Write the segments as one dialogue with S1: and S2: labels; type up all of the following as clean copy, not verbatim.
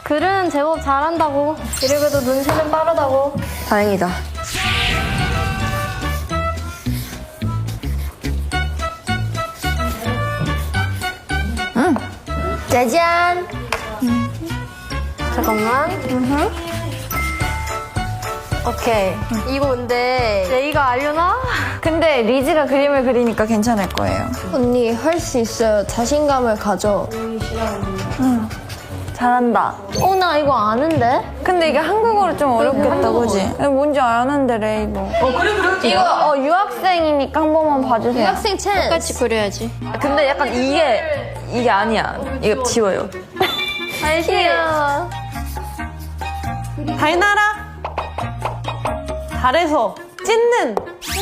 S1: 글은 제법 잘한다고. 이래봬도 눈치는 빠르다고.
S2: 다행이다. 짜잔.
S1: 잠깐만. 오케이. 이거 근데 레이가 알려나?
S2: 근데 리즈가 그림을 그리니까 괜찮을 거예요.
S3: 언니 할 수 있어요. 자신감을 가져.
S2: 잘한다.
S1: 나 이거 아는데?
S2: 근데 이게 한국어로 좀 어렵겠다, 그지? 뭔지 아는데, 레이도. 이거 유학생이니까 한 번만 봐주세요.
S1: 학생 찬스. 똑같이 그려야지.
S2: 근데 약간 이게 아니야. 이거 지워요.
S1: 귀여워.
S4: 달나라. 달에서 찢는.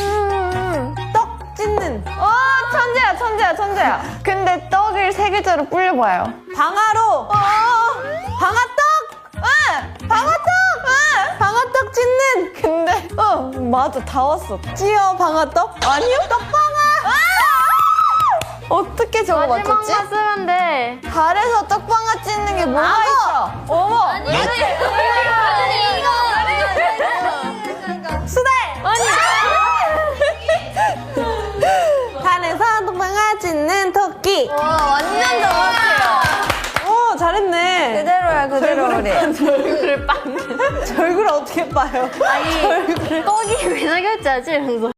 S4: 떡 찢는.
S2: 천재야. 근데 떡을 세 글자로 불려봐요.
S4: 방아로. 방아떡. 응. 방아떡. 응. 방아떡 찢는. 근데 맞아 다 왔어. 찌어 방아떡? 아니요. 떡방아. 어떻게 저거 맞췄지?
S1: 마지막만 쓰면 돼.
S4: 달에서 떡방아 찢는 게 뭐가 있어? 어머. 수달. 달에서 떡방아 찢는 토끼.
S2: 완전 정확해요.
S4: 오 잘했네.
S2: 그대로야, 그대로 우리.
S4: 절구를 어떻게 봐요?
S1: 떡이 왜 저겼지? 이러면서.